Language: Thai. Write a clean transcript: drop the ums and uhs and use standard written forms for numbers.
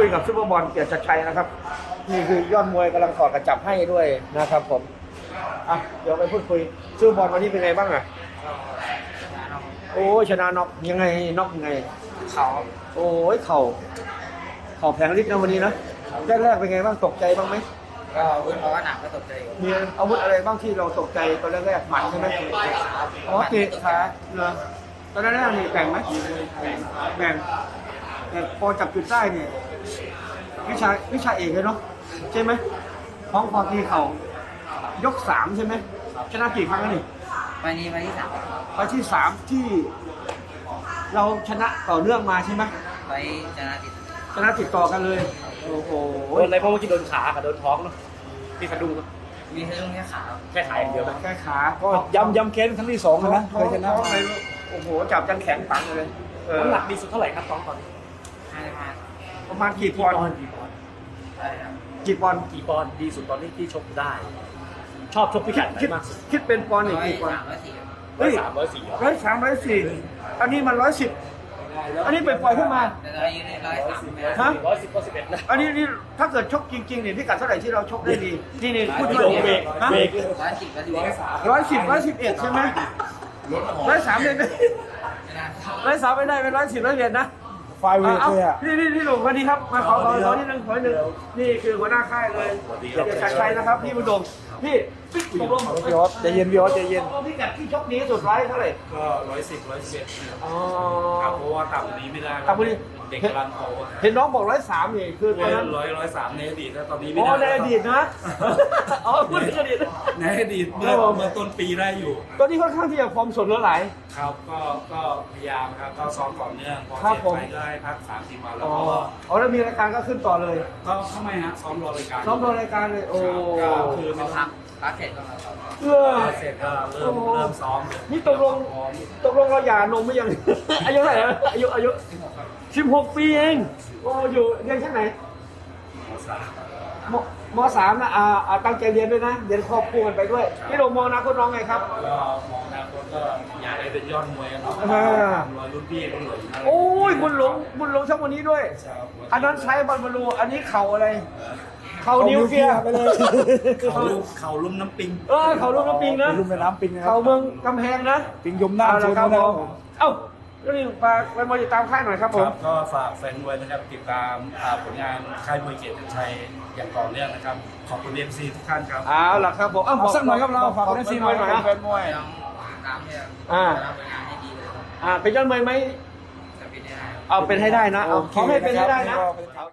กับซุปเปอร์บอลเกียรติชัยนะครับนี่คือยอดมวยกำลังถอดกระจับให้ด้วยนะครับผมอ่ะเดี๋ยวไปพูดคุยซุปเปอร์บอลวันนี้เป็นไงบ้างอ่ะโอ้ชนะน็อกยังไงน็อกยังไงเขาโอ้ยเข่าแผงฤทธิ์นะวันนี้นะแรกๆเป็นไงบ้างตกใจบ้างไหมก็วุ้นเพราะว่าหนักก็ตกใจมีอาวุธอะไรบ้างที่เราตกใจตอนแรกๆหมัดใช่ไหมอ๋อเตะขาเหรอตอนแรกๆนี่แบ่งไหมแบ่งแต่พอจับจุดได้เนี่ยวิชาเอกเลยเนาะใช่ไหมท้องพอตีเข่ายก3ใช่ไหมชนะกี่ครั้งแล้วนี่ไปนี้ไปที่ 3 ไปที่3ที่เราชนะต่อเนื่องมาใช่ไหมไปชนะติดชนะติดต่อกันเลยโอ้โหโดนอะไรเพราะเมื่อกี้โดนขากับโดนท้องเนาะพี่สะดุ้งมีแค่ตรงแค่ขาแค่ขาอย่างเดียวนะแค่ขาก็ย้ำเค้นครั้งที่2นะเคยชนะท้องอะไรโอ้โหจับจันแข็งปังเลยน้ำหนักดีสุดเท่าไหร่ครับตอนนี้ 55 ประมาณกี่ปอนด์กี่ปอนด์ใช่ครับกี่ปอนด์กี่ปอนด์ดีสุดตอนนี้ที่ชกได้ ชอบชกพิกัดไหนมากสุดคิดเป็นปอนด์อีก 103 กี่ปอนด์ 104 103 104 103 104อันนี้มัน110อันนี้เป็นปล่อยขึ้นมาแต่เรายืนได้103 ฮะ 110 111นะอันนี้ถ้าเกิดชกจริงๆเนี่ยพิกัดเท่าไหร่ที่เราชกได้ดีนี่พูดพี่มาโด่งเบเบรรกฮะเบรก 110 111ใช่ไหม103เลยไหม103ไม่ได้เป็น110 111นะไฟเวทเลยอ่ะนี่หนุ่มวันนี้ครับมาขอนิดนึงนี่คือหัวหน้าค่ายเลยเกียรติชัยนะครับพี่บุญดมพี่ตกลงพี่ออสใจเย็นพี่ออสใจเย็นพิกัดที่ชกนี้สุดร้ายเท่าไหร่ก็110 111 อ๋อครับเพราะว่าต่ำกว่านี้ไม่ได้ต่ำกว่านี้เด็กกำลังโตเห็นน้องบอก103นี่คือตอนนั้น 103ในอดีตแล้วตอนนี้ไม่อ๋อได้ในอดีตนะอ๋อพูดถึงอดีตในอดีตเมื่อต้นปีได้อยู่ตอนนี้ค่อนข้างที่จะฟอร์มสดเหลือหลายครับก็พยายามครับก็ซ้อมต่อเนื่องพอครับเสร็จผมไปก็ให้พัก3-4 วันแล้วอ๋อก็อ๋อแล้วมีรายการก็ขึ้นต่อเลยก็ทำไมฮะซ้อมรอรายการซ้อมรอรายการเลยโอ้ก็คือไม่พัพักกพักเสร็จก็มาต่อเออเสร็จก็เริ่มซ้อมเลยนี่ตกลงเราหย่านมไม่ยัง อายุเท่าไหร่นะอายุ16 ปีเองโอ้อยู่เรียนชั้นไหนม.3 นะตั้งใจเรียนด้วยนะเรียนครอบครัวกันไปด้วยพี่โดมมองอนะคุณน้องไงครับก็มองอนาคตก็อยากให้เป็นยอดมวยกันเนาะอ่ารอยรุ่นพี่รุ่นหลงอะไรโอ้ยบุญหลงช่างวันนี้ด้วย อันนั้นใช้บอลบอลูอันนี้เข่าอะไรเข่านิวเคลียร์ไปเลยเขาลุ่มน้ำปิงเข่าลูกน้ำปิงนะลุ่มแม่น้ำปิงนะครัเข่าบเมืองกำแพงนะปิงยมหน้าเอาโซละนครับนะครับผมเอ้าแล้วนี่ฝากไปมวยติดตามค่ายหน่อยครับคผมรับก็ฝากแฟนมวยนะครับติดตามผลงานค่ายมวยเกียรติชัยอย่างต่อเนื่องนะครับ ขอบคุณเอ็มซีทุกท่านครับเอาล่ะครับผมเอาสักหน่อยครับเราฝากบเล่นซีหน่อยนะแฟนมวยต้องตามที่อ่าทำงานให้ดีเลยเป็นยอดมวยไหมจะเป็นได้เอาเป็นให้ได้นะเอาขอให้เป็นให้ได้นะโอเคครับ